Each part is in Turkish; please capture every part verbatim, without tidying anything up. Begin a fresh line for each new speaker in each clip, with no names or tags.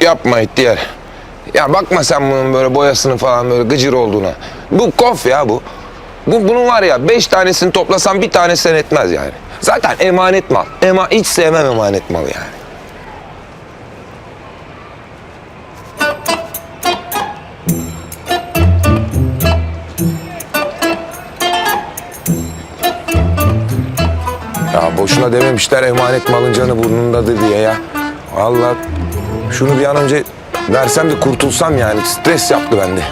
Yapma ihtiyar. Ya bakma sen bunun böyle boyasını falan böyle gıcır olduğuna. Bu kof ya bu. Bu bunun var ya beş tanesini toplasan bir tanesi etmez yani. Zaten emanet mal. Ema hiç sevmem emanet malı yani. Ya boşuna dememişler emanet malın canı burnundadır diye ya. Vallahi şunu bir an önce versem de kurtulsam yani. Stres yaptı bende.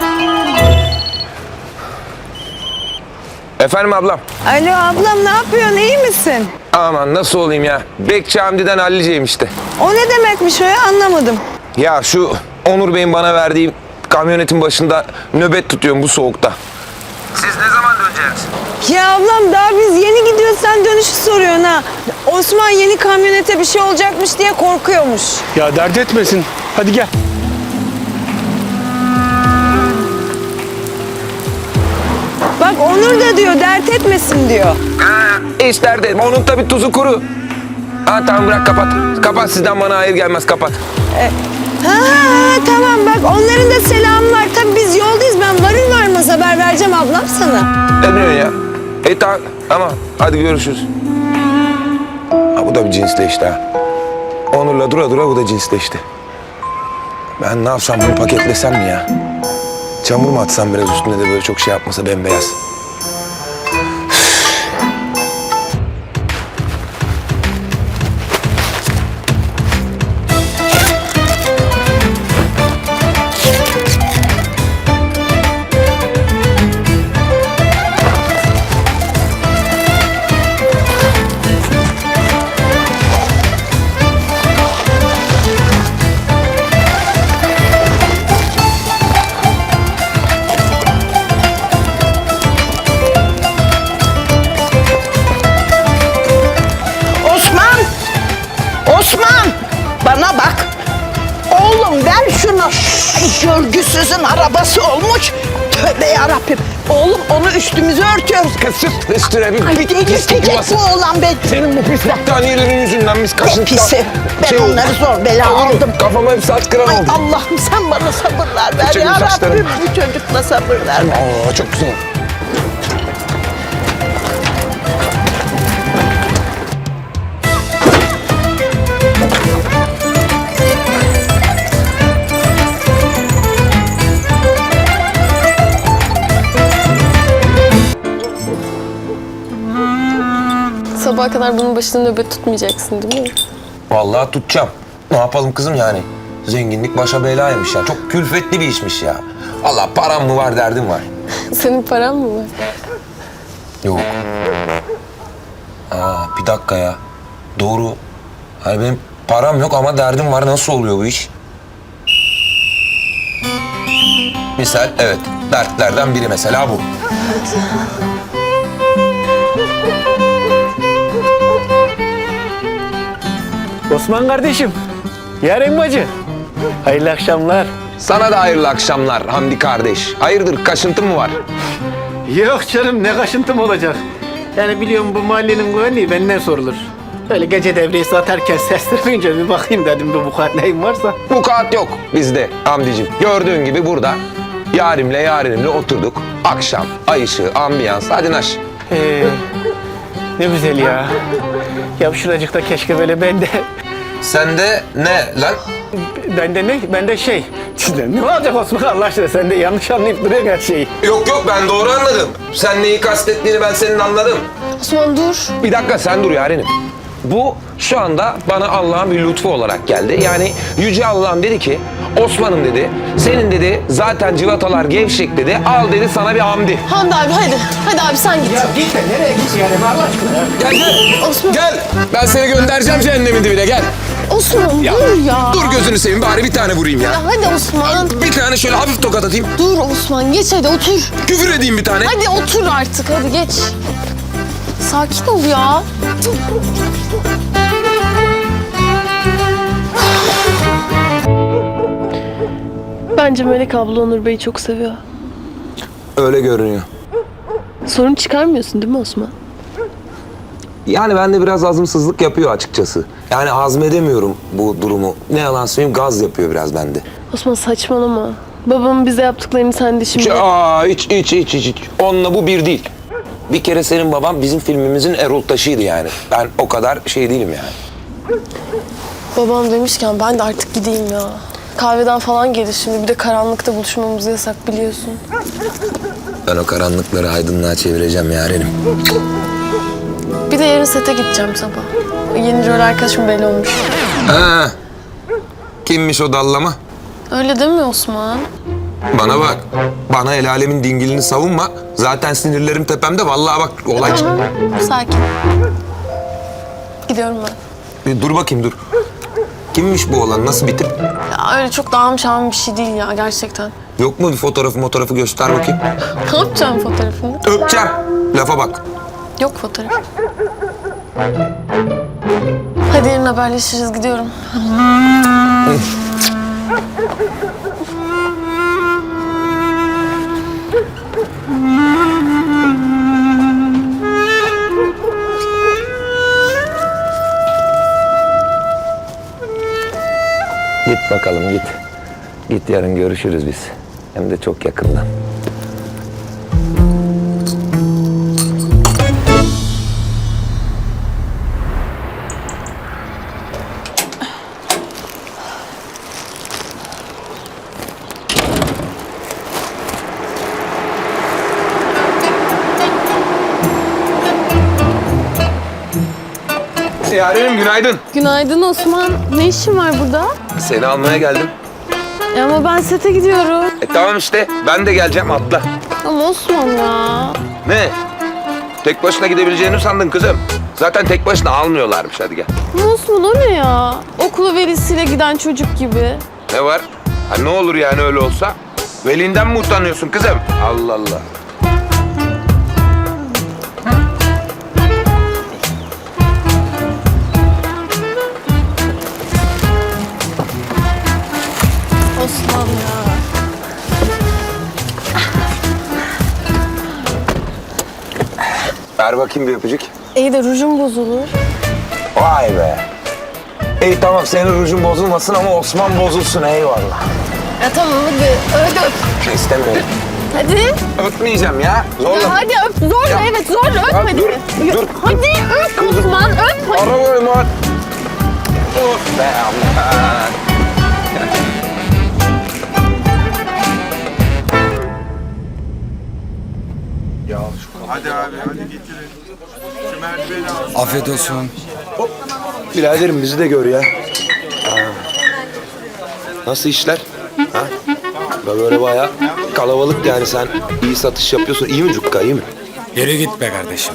Efendim ablam?
Alo ablam, ne yapıyorsun, iyi misin?
Aman nasıl olayım ya? Bekçi Hamdi'den halliceyim işte.
O ne demekmiş o ya, anlamadım.
Ya şu Onur Bey'in bana verdiği kamyonetin başında nöbet tutuyorum bu soğukta. Siz ne zaman döneceksiniz?
Ya ablam daha biz yeni gidiyoruz, sen dönüşü soruyorsun ha. Osman yeni kamyonete bir şey olacakmış diye korkuyormuş.
Ya dert etmesin. Hadi gel.
Bak Onur da diyor dert etmesin diyor.
Ha, hiç dert etme. Onun tabii tuzu kuru. Ha tamam bırak kapat. Kapat sizden bana hayır gelmez kapat.
E, ha, ha tamam bak onların da selamı var. Tabii biz yoldayız, ben varır varmaz haber vereceğim ablam sana.
Ne diyorsun ya? E tamam ama hadi görüşürüz. Ha bu da bir cinsleşti ha. Onur'la dura dura bu da cinsleşti. Ben ne yapsam bunu paketlesem mi ya? Çamur mu atsam biraz üstüne de böyle çok şey yapmasa bembeyaz.
Osman! Osman! Bana bak! Oğlum ver şunu! Ay, görgüsüzün arabası olmuş! Tövbe yarabbim! Oğlum onu üstümüze örtüyoruz.
Kısıt üstüne bir
Ay
bit
delirtecek
yuvası.
bu oğlan be!
Senin bu pis battaniyelerin yüzünden biz
Ne
kaşıntıdan...
pisi! Ben
şey oldu.
onları zor bela
Oğlum,
aldım.
Kafama hep saç kıran
Ay
oldu.
Allah'ım sen bana sabırlar ver
Küçük
ya
saçlarım.
Rabbim! Bu çocukla sabırlar ver.
Aa çok güzel.
Sabaha kadar bunun başında nöbet tutmayacaksın değil mi?
Vallahi tutacağım. Ne yapalım kızım yani? Zenginlik başa belaymış ya. Çok külfetli bir işmiş ya. Allah param mı var derdim var.
Senin paran mı var?
Yok. Aa bir dakika ya. Doğru. Hani benim param yok ama derdim var. Nasıl oluyor bu iş? Misal evet. Dertlerden biri mesela bu.
Osman kardeşim. Yarın bacı. Hayırlı akşamlar.
Sana da hayırlı akşamlar Hamdi kardeş. Hayırdır kaşıntın mı var?
Yok canım ne kaşıntım olacak. Yani biliyorum bu mahallenin güvenliği benden sorulur. Böyle gece devriyesi atarken seslenmeyince bir bakayım dedim bir vukuat neyim varsa.
Vukuat yok bizde Hamdi'cim. Gördüğün gibi burada yarimle yarenimle oturduk. Akşam, ay ışığı, ambiyans. Hadi naş.
Ee, ne güzel ya. Ya şuracıkta keşke böyle ben de...
Sende ne lan?
Ben de ne? Ben de şey. Ne olacak Osman Allah aşkına? Sen de yanlış anlayıp duruyorsun her şeyi.
Yok yok ben doğru anladım. Sen neyi kastettiğini ben senin anladım.
Osman dur.
Bir dakika sen dur yarenim. Bu şu anda bana Allah'ın bir lütfu olarak geldi. Yani Yüce Allah'ım dedi ki Osman'ım dedi senin dedi zaten civatalar gevşek dedi al dedi sana bir hamdi.
Hamdi abi hadi. Hadi abi sen git.
Ya git de nereye git yani Allah aşkına ya.
Gel gel.
Osman.
Gel. Ben seni göndereceğim cehennemin dibine gel.
Osman
Ya,
dur ya.
Dur gözünü seveyim bari bir tane vurayım ya.
Ya hadi Osman.
Bir tane şöyle hafif tokat atayım.
Dur Osman geç hadi otur.
Küfür edeyim bir tane.
Hadi otur artık hadi geç. Sakin ol ya. Bence Melek abla Onur Bey'i çok seviyor.
Öyle görünüyor.
Sorun çıkarmıyorsun değil mi Osman?
Yani bende biraz azımsızlık yapıyor açıkçası. Yani hazmedemiyorum bu durumu. Ne yalan söyleyeyim, gaz yapıyor biraz bende.
Osman saçmalama. Babamın bize yaptıklarını sen de şimdi...
Aa, hiç, hiç, hiç, hiç, hiç. Onunla bu bir değil. Bir kere senin baban bizim filmimizin Erol Taşı'ydı yani. Ben o kadar şey değilim yani.
Babam demişken ben de artık gideyim ya. Kahveden falan gelir şimdi. Bir de karanlıkta buluşmamız yasak biliyorsun.
Ben o karanlıkları aydınlığa çevireceğim yarenim.
Bir de yarın sete gideceğim sabah. O yeni rol arkadaşım belli olmuş.
Ha. Kimmiş o dallama?
Öyle deme Osman.
Bana bak. Bana el alemin dingilini savunma. Zaten sinirlerim tepemde. Vallahi bak olay çıktı.
Sakin. Gidiyorum ben.
Bir dur bakayım dur. Kimmiş bu olan? Nasıl bir tip?
Ya öyle çok dağım şahım bir şey değil ya gerçekten.
Yok mu bir fotoğrafı fotoğrafı göster bakayım.
Ne yapacağım fotoğrafını?
Öpeceğim. Lafa bak.
Yok fotoğraf. Hadi yarın haberleşiriz gidiyorum.
Git bakalım git. Git yarın görüşürüz biz. Hem de çok yakından. Yarenim günaydın.
Günaydın Osman. Ne işin var burada?
Seni almaya geldim.
E ama ben sete gidiyorum.
E tamam işte ben de geleceğim atla.
Ama Osman ya.
Ne? Tek başına gidebileceğini mi sandın kızım? Zaten tek başına almıyorlarmış, hadi gel.
Ama Osman o ne ya? Okula velisiyle giden çocuk gibi.
Ne var? Ha, ne olur yani öyle olsa? Velinden mi utanıyorsun kızım? Allah Allah.
Osman ya.
Ver bakayım bir öpücük.
İyi de rujum bozulur.
Vay be. İyi tamam, senin rujun bozulmasın ama Osman bozulsun, eyvallah.
Ya tamam hadi. Hadi öp.
İstemiyorum.
Hadi.
Öpmeyeceğim ya. Zorla.
Ya hadi öp. Zorla
Ya.
evet zorla öp
Ya
hadi.
dur,
Ya,
dur.
Hadi öp Osman öp. Hadi.
Arabayı mı? Of be Allah.
Afiyet olsun.
Biraderim bizi de gör ya. Nasıl işler? Ha? Böyle bayağı kalabalık yani, sen iyi satış yapıyorsun. İyi mi Cukka, iyi mi?
Yere git be kardeşim.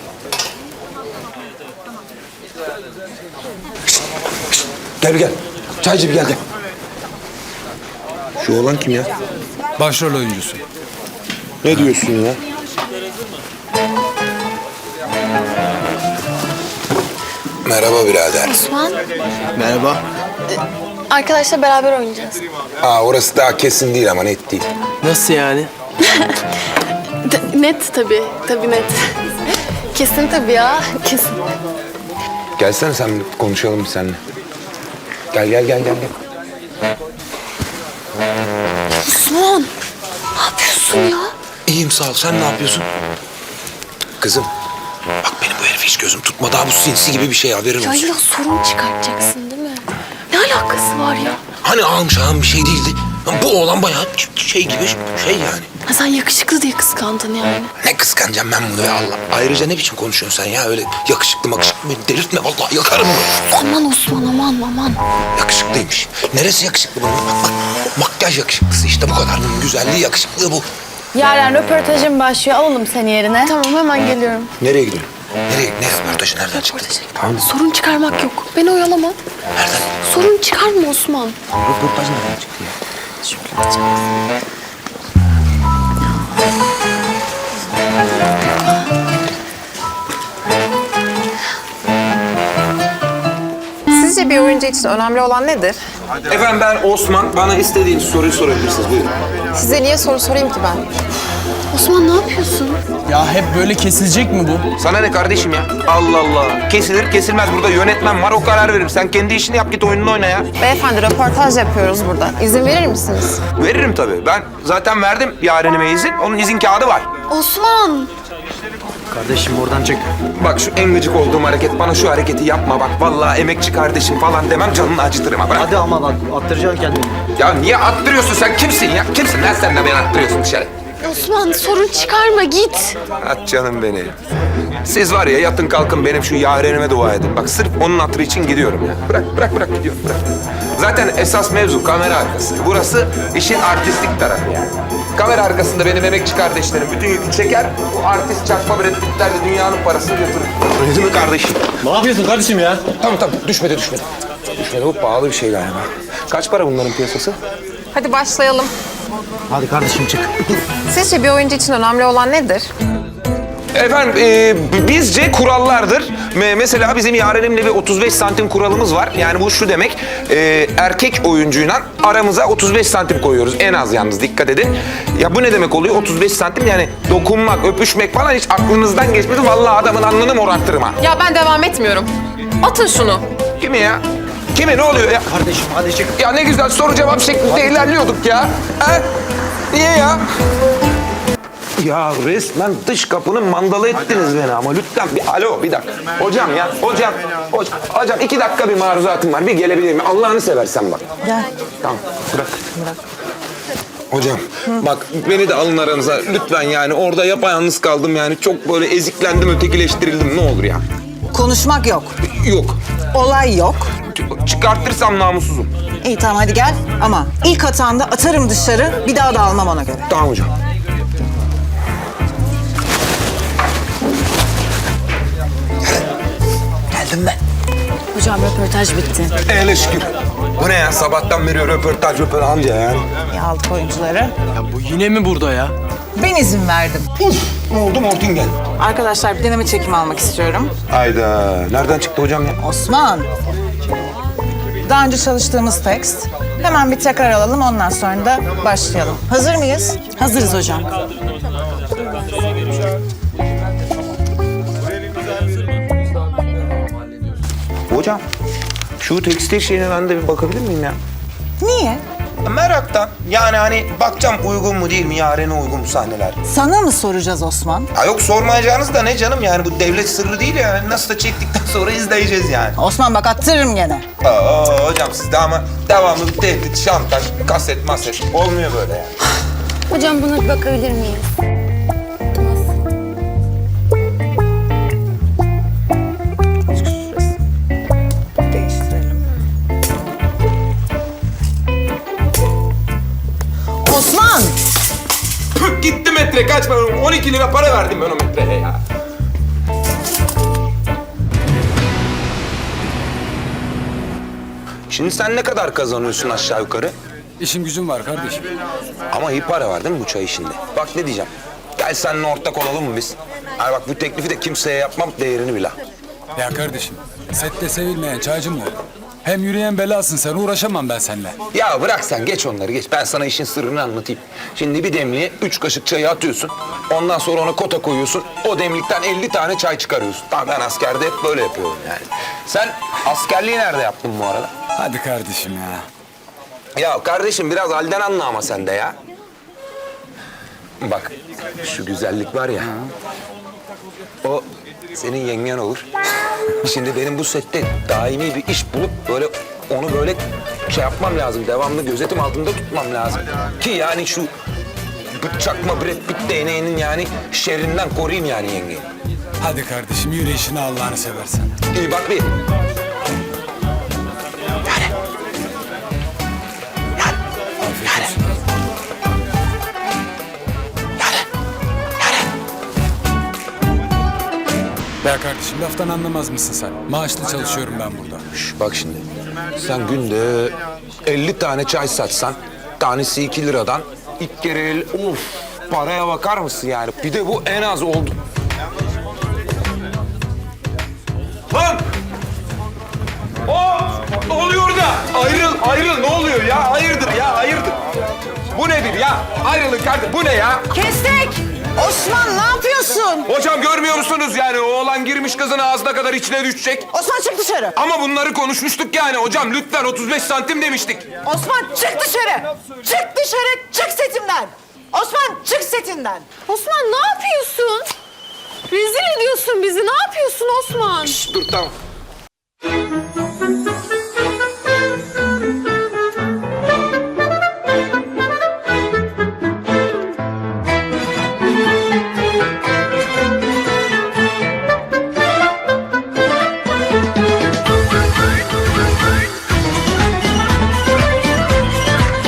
Gel bir gel. Çaycı bir gel gel. Şu oğlan kim ya?
Başrol oyuncusu.
Ne diyorsun ya? Merhaba birader.
Osman.
Merhaba.
Arkadaşlar beraber oynayacağız.
Aa, orası daha kesin değil ama net değil.
Nasıl yani?
T- net tabii. Tabii net. Kesin tabii ya. Kesin.
Gelsene sen bir konuşalım bir seninle. Gel gel gel gel. gel.
Osman. Ne yapıyorsun ya?
İyiyim sağ ol. Sen ne yapıyorsun? Kızım. Bak benim bu herifi hiç gözüm tutmadı. Daha bu sinsi gibi bir şey, haberin
Ya
olsun.
illa sorun çıkartacaksın değil mi? Ne alakası var ya?
Hani ağam şahım bir şey değildi. Bu oğlan bayağı şey gibi şey yani.
Ha, sen yakışıklı diye kıskandın yani.
Ne kıskanacağım ben bunu ya Allah. Ayrıca ne biçim konuşuyorsun sen ya? Öyle yakışıklı makışıklı beni delirtme vallahi, yakarım bunu.
Aman Osman aman aman.
Yakışıklıymış. Neresi yakışıklı bunun? Bak, bak, makyaj yakışıklısı işte, bu kadar. Bunun güzelliği, yakışıklığı bu.
Yaren röportajın başlıyor. Alalım seni yerine.
Tamam hemen geliyorum.
Nereye gidiyorsun? Nereye? Ne röportajı? Nereden çıktı? Tamam.
Sorun çıkarmak yok. Beni oyalama.
Nereden?
Sorun çıkarma Osman.
Röportaj nereden çıktı ya?
Sizce bir oyuncu için önemli olan nedir?
Efendim ben Osman. Bana istediğiniz soruyu sorabilirsiniz. Buyurun.
Size niye soru sorayım ki ben?
Osman ne yapıyorsun?
Ya hep böyle kesilecek mi bu?
Sana ne kardeşim ya? Allah Allah. Kesilir kesilmez. Burada yönetmen var, o karar verir. Sen kendi işini yap, git oyununu oyna ya.
Beyefendi röportaj yapıyoruz burada. İzin verir misiniz?
Veririm tabii. Ben zaten verdim yarenime izin. Onun izin kağıdı var.
Osman!
Kardeşim oradan çek.
Bak şu en gıcık olduğum hareket. Bana şu hareketi yapma bak. Vallahi emekçi kardeşim falan demem, canını acıtırım ha. Bırak.
Hadi ama bak attıracaksın kendini.
Ya niye attırıyorsun sen? Kimsin ya? Kimsin lan sen de beni attırıyorsun dışarı?
Osman sorun çıkarma git.
At canım beni. Siz var ya yatın kalkın benim şu yarenime dua edin. Bak sırf onun hatırı için gidiyorum ya. Bırak bırak bırak gidiyorum bırak. Zaten esas mevzu kamera arkası. Burası işin artistik tarafı yani. Kamera arkasında benim emekçi kardeşlerim bütün yükü çeker. Bu artist çakma Brad Pitt'ler de dünyanın parasını götürür. Öyle mi kardeşim?
Ne yapıyorsun kardeşim ya?
Tamam tamam düşmedi düşmedi. Düşmedi, bu pahalı bir şey galiba. Kaç para bunların piyasası?
Hadi başlayalım.
Hadi kardeşim çık.
Sizce bir oyuncu için önemli olan nedir?
Efendim e, bizce kurallardır. Me- mesela bizim yarenimle bir otuz beş santim kuralımız var. Yani bu şu demek, e, erkek oyuncuyla aramıza otuz beş santim koyuyoruz. En az yalnız dikkat edin. Ya bu ne demek oluyor otuz beş santim? Yani dokunmak, öpüşmek falan hiç aklınızdan geçmedi. Vallahi adamın alnını morartırım ha.
Ya ben devam etmiyorum. Atın şunu.
Kimi ya? Kimi, ne oluyor ya?
Kardeşim hadi çık.
Ya ne güzel soru cevap şeklinde ilerliyorduk ya. Ha? Niye ya? Ya resmen dış kapının mandalı ettiniz beni ama lütfen bir alo bir dakika. Hocam ya hocam hocam, hocam iki dakika bir maruzatım var, bir gelebilir mi? Allah'ını seversen bak.
Gel.
Tamam bırak. Bırak. Hocam bak beni de alın aranıza lütfen, yani orada yapayalnız kaldım yani, çok böyle eziklendim, ötekileştirildim, ne olur ya.
Konuşmak yok.
Yok.
Olay yok.
Çıkartırsam namussuzum.
İyi tamam hadi gel ama ilk hatanda atarım dışarı, bir daha da almam ona göre.
Tamam hocam.
Geldim ben.
Hocam röportaj bitti.
Hele şükür. Bu ne ya, sabahtan beri röportaj röportaj amca yani.
Ya aldık oyuncuları.
Ya bu yine mi burada ya?
Ben izin verdim.
Ne oldu, Mortin geldi.
Arkadaşlar bir deneme çekimi almak istiyorum.
Hayda, nereden çıktı hocam ya?
Osman. Daha önce çalıştığımız tekst. Hemen bir tekrar alalım, ondan sonra da başlayalım. Hazır mıyız? Hazırız hocam.
Hocam, şu tekstil şeyine ben de bir bakabilir miyim ya?
Niye?
Meraktan. Yani hani bakacağım uygun mu değil mi, yarene uygun mu sahneler?
Sana mı soracağız Osman?
Ya yok, sormayacağınız da ne canım, yani bu devlet sırrı değil ya. Nasıl da çektikten sonra izleyeceğiz yani.
Osman bak attırırım gene.
Aa, hocam sizde ama devamlı bir tehdit, şantaj, kaset maset olmuyor böyle yani.
Hocam buna bir bakabilir miyiz?
Değiştirelim. Osman!
Püh, gitti metre, kaç para? on iki lira para verdim ben o metreye ya. Şimdi sen ne kadar kazanıyorsun aşağı yukarı?
İşim gücüm var kardeşim.
Ama iyi para var değil mi bu çay işinde? Bak ne diyeceğim. Gel seninle ortak olalım mı biz? Ay bak bu teklifi de kimseye yapmam, değerini bil ha.
Ya kardeşim, sette sevilmeyen çaycı mı olur? Hem yürüyen belasın sen, uğraşamam ben seninle.
Ya bırak sen, geç onları geç. Ben sana işin sırrını anlatayım. Şimdi bir demliğe üç kaşık çayı atıyorsun. Ondan sonra ona kota koyuyorsun. O demlikten elli tane çay çıkarıyorsun. Tamam, ben askerde hep böyle yapıyorum yani. Sen askerliği nerede yaptın bu arada?
Hadi kardeşim ya.
Ya kardeşim biraz halden anla ama sen de ya. Bak şu güzellik var ya. O senin yengen olur. Şimdi benim bu sette daimi bir iş bulup böyle onu böyle şey yapmam lazım. Devamlı gözetim altında tutmam lazım. Ki yani şu çakma Brad Pitt değneğinin yani şerrinden koruyayım yani yengeyi.
Hadi kardeşim yürü işine Allah'ını seversen.
İyi bak bir.
Afiyet olsun. Ya kardeşim laftan anlamaz mısın sen? Maaşlı çalışıyorum ben burada.
Şş, bak şimdi sen günde elli tane çay satsan tanesi iki liradan ilk kere el, of paraya bakar mısın yani? Bir de bu en az oldu. Lan! Oh! Ne oluyor da? Ayrıl, ayrıl ne oluyor ya? Hayırdır ya, hayırdır. Bu nedir ya? Ayrılın kardeşim, bu ne ya?
Kestik!
Osman ne yapıyorsun?
Hocam görmüyor musunuz yani oğlan girmiş kızın ağzına kadar içine düşecek.
Osman çık dışarı.
Ama bunları konuşmuştuk yani hocam lütfen otuz beş santim demiştik.
Osman çık dışarı. Çık dışarı. Çık setimden. Osman çık setinden.
Osman ne yapıyorsun? Rezil ediyorsun bizi. Ne yapıyorsun Osman?
Dur tamam.